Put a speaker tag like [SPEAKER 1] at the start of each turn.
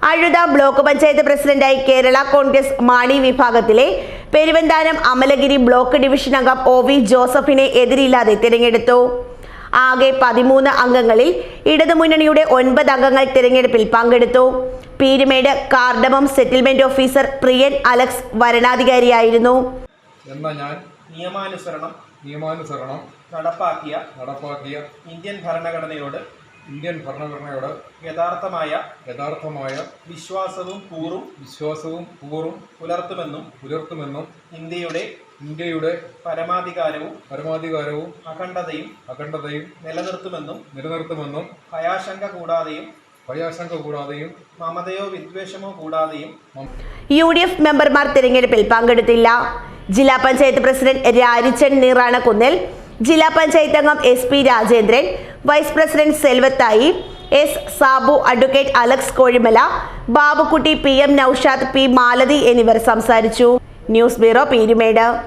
[SPEAKER 1] അഴുത block panchayat പ്രസിഡന്റായി കേരള കോൺഗ്രസ് മാണി വിഭാഗത്തിലെ Peruvanthanam Amalagiri block division അംഗം OV ജോസഫിനെ എതിരില്ലാതെ തിരഞ്ഞെടുത്തു. ആകെ 13 അംഗങ്ങളിൽ ഇടതുമുന്നണിയുടെ 9 അംഗങ്ങൾ തിരഞ്ഞെടുപ്പിൽ പങ്കെടുത്തു. Peermade cardamom settlement officer Priyan Alex വരണാധികാരിയായിരുന്നു.
[SPEAKER 2] നിയമാനുസരണം നടപ്പാക്കിയ ഇന്ത്യൻ ഭരണഘടനയോട് യഥാർത്ഥമായ വിശ്വാസവും കൂറും പുലർത്തുമെന്നും ഇന്ത്യയുടെ പരമാധികാരവും അഖണ്ഡതയും നിലനിർത്തുമെന്നും ഭയാശങ്ക കൂടാതെയും മമതയോ വിദ്വേഷമോ കൂടാതെയും
[SPEAKER 1] UDF മെമ്പർമാർ തിരഞ്ഞെടുപ്പിൽ പങ്കെടുത്തില്ല. ജില്ലാ പഞ്ചായത്ത് പ്രസിഡന്റ് രാരിച്ചൻ നീറാണക്കുന്നിൽ, ജില്ലാ പഞ്ചായത്ത് അംഗം SP Rajendran, vice president Selvathai, S Sabu, advocate Alex Kozhimala, Babukutty, PM Naushad, P Malathi എന്നിവർ സംസാരിച്ചു. News bureau, Peermade.